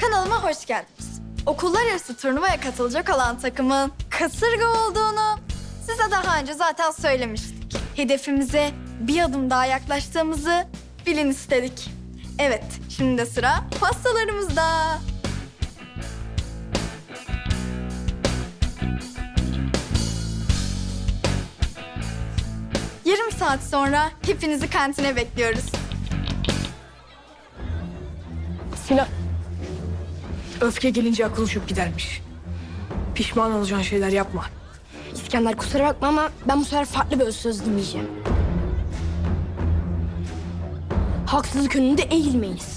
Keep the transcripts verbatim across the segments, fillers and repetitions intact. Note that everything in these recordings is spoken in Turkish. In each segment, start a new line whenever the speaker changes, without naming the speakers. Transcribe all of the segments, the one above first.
Kanalıma hoş geldiniz. Okullar arası turnuvaya katılacak olan takımın kasırga olduğunu size daha önce zaten söylemiştik. Hedefimize bir adım daha yaklaştığımızı bilin istedik. Evet, şimdi de sıra pastalarımızda. Yarım saat sonra hepinizi kantine bekliyoruz.
Sinan, öfke gelince akıl uçup gidermiş. Pişman olacağın şeyler yapma.
İskender kusura bakma ama ben bu sefer farklı bir söz dinleyeceğim. Haksızlık önünde eğilmeyiniz.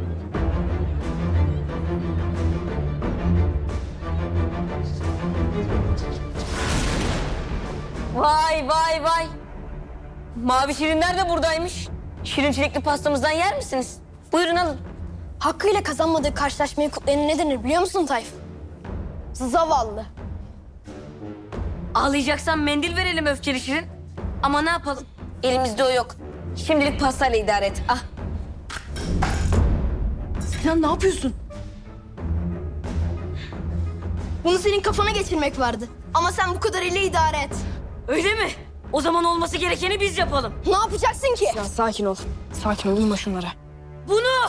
Vay vay vay. Mavi şirinler de buradaymış. Şirin çilekli pastamızdan yer misiniz? Buyurun alın.
Hakkıyla kazanmadığı karşılaşmayı kutlayanın ne denir biliyor musun Tayfun? Zavallı.
Ağlayacaksan mendil verelim öfkeli şirin. Ama ne yapalım? Elimizde o yok. Şimdilik pastayla idare et. Ah.
Sinan ne yapıyorsun?
Bunu senin kafana geçirmek vardı. Ama sen bu kadarıyla idare et.
Öyle mi? O zaman olması gerekeni biz yapalım.
Ne yapacaksın ki?
Ya sakin ol. Sakin ol, uyma şunlara.
Bunu!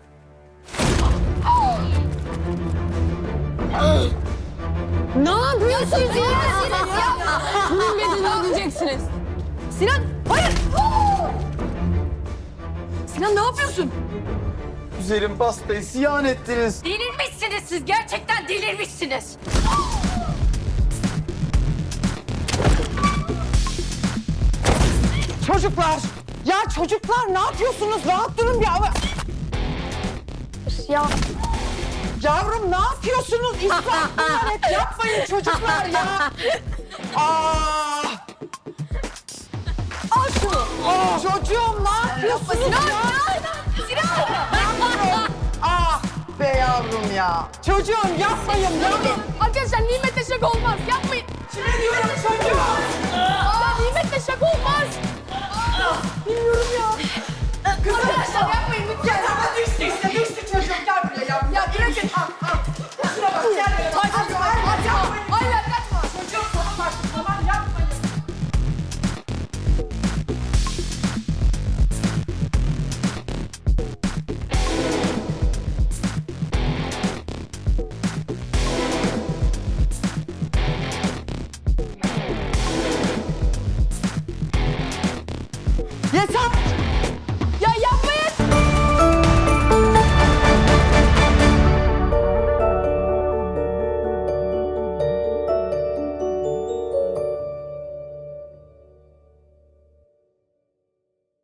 Ne yapıyorsunuz ya? Kimin bedelini ödeyeceksiniz?
Sinan, hayır! Sinan ne yapıyorsun?
Güzelim pastayı ziyan ettiniz.
Delirmişsiniz siz. Gerçekten delirmişsiniz.
Çocuklar! Ya çocuklar ne yapıyorsunuz? Rahat durun bir ama... Ya... Yavrum ne yapıyorsunuz? İsraf bunlar hep. Yapmayın çocuklar ya. Aa! Al şunu. Aa, çocuğum ne yapıyorsunuz ya? Sinan! Sinan! Ah be yavrum ya. Çocuğum yapmayın yavrum.
Arkadaşlar nimetle şaka olmaz, yapmayın.
Kime diyorum çocuğum?
Ya nimetle şaka olmaz.
Kızım. Arkadaşlar yapmayın lütfen. Ya düştü işte düştü çocuğum gel buraya yavrum. Ya